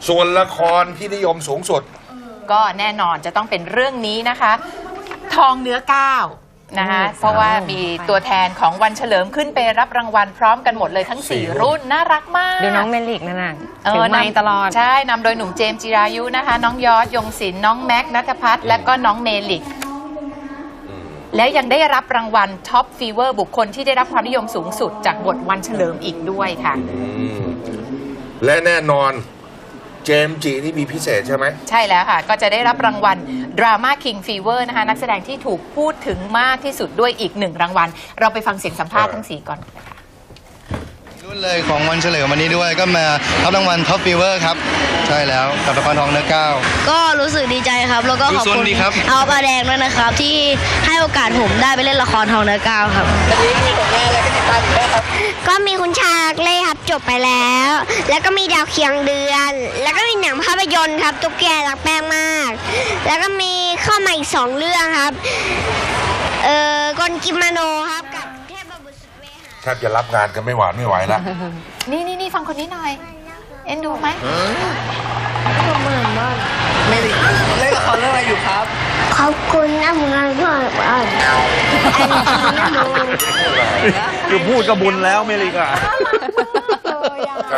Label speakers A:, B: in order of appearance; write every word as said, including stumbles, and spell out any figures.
A: ส่วนละครที่นิยมสูงสุด
B: ก็แน่นอนจะต้องเป็นเรื่องนี้นะคะ ทองเนื้อก้าวนะคะเพราะว่ามีตัวแทนของวันเฉลิมขึ้นไปรับรางวัลพร้อมกันหมดเลยทั้งสี่รุ่นน่ารักมาก
C: ดูน้องเมลิกนั่นน่ะ
B: เอ
C: ถื
B: อ
C: อไมค์ตลอด
B: ใช่นำโดยหนุ่มเจมส์จิรายุนะคะน้องยอดยงศิลป์น้องแม็กนัทพัฒน์และก็น้องเมลิกแล้วยังได้รับรางวัลท็อปฟีเวอร์บุคคลที่ได้รับความนิยมสูงสุดจากบทวันเฉลิมอีกด้วยค่ะ
A: และแน่นอนเจมส์จีนี่มีพิเศษใช่ไหม
B: ใช่แล้วค่ะก็จะได้รับรางวัล Drama King Fever นะคะนักแสดงที่ถูกพูดถึงมากที่สุดด้วยอีกหนึ่งรางวัลเราไปฟังเสียงสัมภาษณ์ทั้งสี่ก่อนนะคะ
D: รุ่นเลยของวันเฉลิมวันนี้ด้วยก็มารับรางวัลท็อปฟีเวอร์ครับใช่แล้วกับละครทองเนื้อก้าว
E: ก็รู้สึกดีใจครับแล้วก็ขอบคุณเอาปลาแดงด้วยนะครับที่ให้โอกาสผมได้ไปเล่นละครทองเนื้อก้าวครับวันนี้มีผลงานอะไรที่ติดตามอีกไหมครับก็มีคุณชาเล่ครับจบไปแล้ว แล้วก็มีดาวเคียงเดือนแล้วก็มีหนังภาพยนตร์ครับตุ๊กแกรักแป้งมากแล้วก็มีเข้ามาอีกสองเรื่องครับเอ่อกลกิมโนครับกับเทพบุตรสุดเวหา
A: แทบจะรับงานกันไม่หวานไม่ไหวแล้ว
B: นี่นี่นี่ฟังคนนี้หน่อยเอ็นดูไหม
F: เมลิกเล่นละครเรื่องอะไรอยู่ครับ
E: ขอบคุณนะมึงพ่อบ้าน
F: คือพูดกระบุญแล้วเมลิกอ่ะ